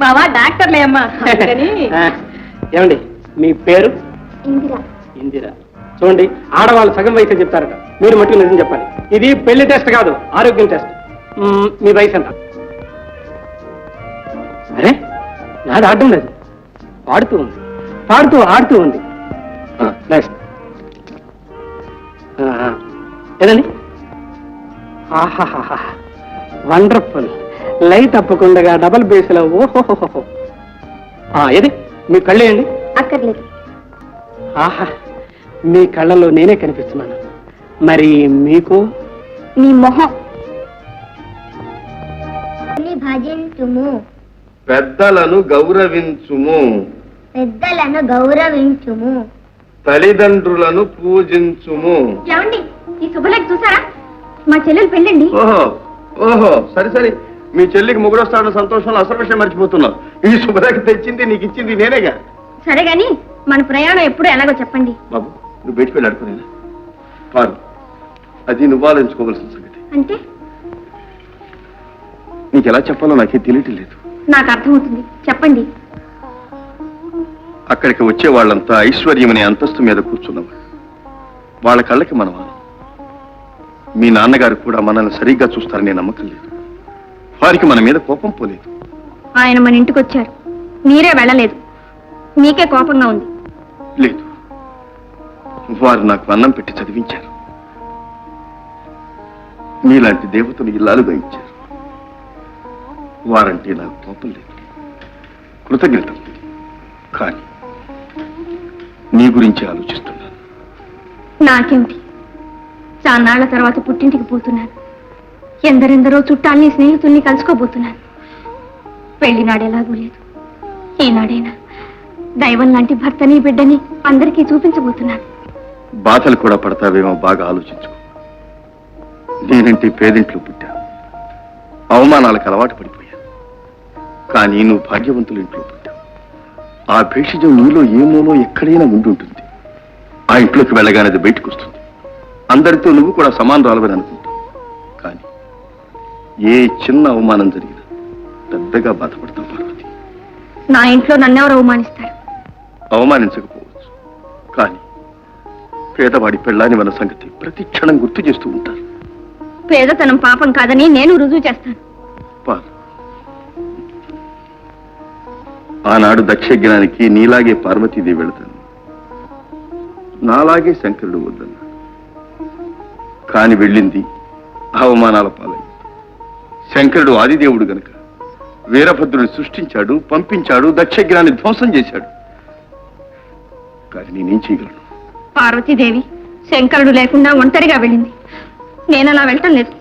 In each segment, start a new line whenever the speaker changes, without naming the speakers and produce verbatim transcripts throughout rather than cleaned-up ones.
బావా డాక్టర్లే అమ్మా.
ఏమండి మీ పేరు?
ఇందిరా.
ఇందిరా. చూడండి, ఆడవాళ్ళు సగం వయసు చెప్తారట, మీరు మట్టుకు నిజం చెప్పాలి. ఇది పెళ్లి టెస్ట్ కాదు, ఆరోగ్యం టెస్ట్. మీ వయసు ఎంత? అరే నాది ఆడడం లేదు, పాడుతూ ఉంది, పాడుతూ ఆడుతూ ఉంది. నెక్స్ట్ ఏదండి? ఆహాహా వండర్ఫుల్. లైట్ తప్పకుండా డబల్ బేస్లో. ఓహోహోహో. ఏది మీ కళ్ళు ఏంటి?
అక్కర్లేదు.
ఆహా, మీ కళ్ళలో నేనే కనిపిస్తున్నాను. మరి మీకు?
మీ మొహం. భజించుము,
పెద్దలను గౌరవించుము,
పెద్దలను గౌరవించుము,
తల్లిదండ్రులను పూజించుము.
ఏమండి ఈ శుభలేఖ చూసారా? మా చెల్లెలు పెళ్ళండి.
ఓహో ఓహో సరే సరే, మీ చెల్లికి మొగుడొస్తాడన్న సంతోషంలో అసలు విషయం మర్చిపోతున్నావు. ఈ శుభలేఖ తెచ్చింది నీకు ఇచ్చింది నేనేగా.
సరే గాని మన ప్రయాణం ఎప్పుడు ఎలాగో చెప్పండి.
బాబు నువ్వు బయటికి వెళ్ళి అడుకునేనా? పారు, అది నువ్వు ఆలోచించుకోవాల్సిన సంగతి.
అంటే
నీకు ఎలా చెప్పాలో నాకే తెలియటం లేదు.
నాకు అర్థమవుతుంది, చెప్పండి.
అక్కడికి వచ్చే వాళ్ళంతా ఐశ్వర్యం అనే అంతస్తు మీద కూర్చున్నవాళ్ళు. వాళ్ళ కళ్ళకి మనం మీ నాన్నగారు కూడా మనల్ని సరిగ్గా చూస్తారనే నమ్మకం లేదు. వారికి మన మీద కోపం పోలేదు.
ఆయన మన ఇంటికి వచ్చారు, మీరే వెళ్ళలేదు, మీకే కోపంగా ఉంది.
లేదు, వారు నాకు అన్నం పెట్టి చదివించారు. మీలాంటి దేవతను ఇల్లాలుగా ఇచ్చారు. వారంటే నాకు కోపం లేదు, కృతజ్ఞత. కానీ నీ గురించి ఆలోచిస్తున్నాను.
నాకేమిటి, చాన్నాళ్ల తర్వాత పుట్టింటికి పోతున్నాను. ఎందరెందరో చుట్టాల్ని స్నేహితుల్ని కలుసుకోబోతున్నాను. పెళ్లినాడు ఎలాగూ లేదు, ఈనాడైనా దైవం లాంటి భర్తని బిడ్డని అందరికీ చూపించబోతున్నాను.
బాధలు కూడా పడతావేమో, బాగా ఆలోచించుకో. నేనంటే పేదింట్లో పుట్టా, అవమానాలకు అలవాటు పడిపోయాను. కానీ నువ్వు భాగ్యవంతుల ఇంట్లో పుట్టావు. ఆ భేషజం నీలో ఏమోనో ఎక్కడైనా ఉండి ఉంటుంది. ఆ ఇంట్లోకి వెళ్ళగానే అది బయటకు వస్తుంది. అందరితో నువ్వు కూడా సమానరాలవని అనుకుంటావు. కానీ ఏ చిన్న అవమానం జరిగినా పెద్దగా బాధపడతావు పార్వతి.
నా ఇంట్లో నన్నెవరు అవమానిస్తారు?
అవమానించకపోవచ్చు, కానీ పేదవాడి పెళ్ళాని మన సంగతి ప్రతి క్షణం గుర్తు చేస్తూ ఉంటారు.
పేదతనం పాపం కాదని నేను రుజువు చేస్తాను.
ఆనాడు దక్షజ్ఞానికి నీలాగే పార్వతీదేవి వెళతాను, నాలాగే శంకరుడు వద్దన్నాడు. కాని వెళ్ళింది అవమానాల పాలైంది. శంకరుడు ఆదిదేవుడు గనక వీరభద్రుని సృష్టించాడు, పంపించాడు, దక్షజ్ఞాన్ని ధ్వంసం చేశాడు. కానీ నేనేం చేయగలను?
పార్వతీదేవి శంకరుడు లేకుండా ఒంటరిగా వెళ్ళింది, నేను అలా వెళ్ళటం లేదు.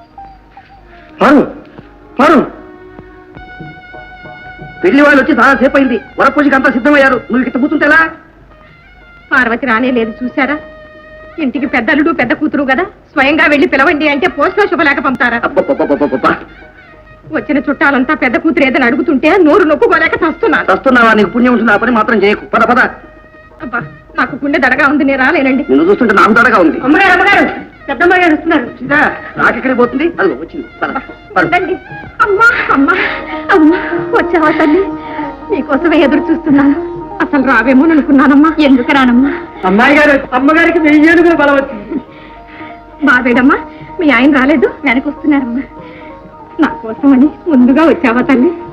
పెళ్లి వాళ్ళు వచ్చి చాలా సేపు అయింది, వరపూజకి అంతా సిద్ధమయ్యారు. నువ్వు ఇట్లా కూర్చుంటే ఎలా?
పార్వతి రానే లేదు, చూసారా? ఇంటికి పెద్దలుడు పెద్ద కూతురు కదా, స్వయంగా వెళ్లి పిలవండి అంటే పోస్ట్లో శుభలేఖ పంపుతారా? వచ్చిన చుట్టాలంతా పెద్ద కూతురు ఏదని అడుగుతుంటే నోరు నొప్పుకోలేక చస్తున్నా.
చస్తున్నావా? నీకు పుణ్యం ఉంటుంది, ఆ పని మాత్రం చేయకు. పద పద.
అబ్బా నాకు గుండె దడగా ఉంది, నేను రాలేనండి.
నిన్ను చూస్తుంటే నాకు దడగా ఉంది.
అమ్మగారు అమ్మగారు పెద్దమ్మ గారు వస్తున్నారు.
నాకెక్కడికి పోతుంది? అది వచ్చింది.
ఉండండి. అమ్మా అమ్మా అమ్మా వచ్చావా తల్లి? నీకోసమే ఎదురు చూస్తున్నాను. అసలు రావేమో అనుకున్నానమ్మా. ఎందుకు రానమ్మా?
అమ్మాయి గారు అమ్మగారికి వెయ్యేనుగులు బలం వచ్చింది.
బాబేడమ్మా, మీ ఆయన రాలేదు, వెనకొస్తున్నారమ్మా. నా కోసమని ముందుగా వచ్చావా తల్లి?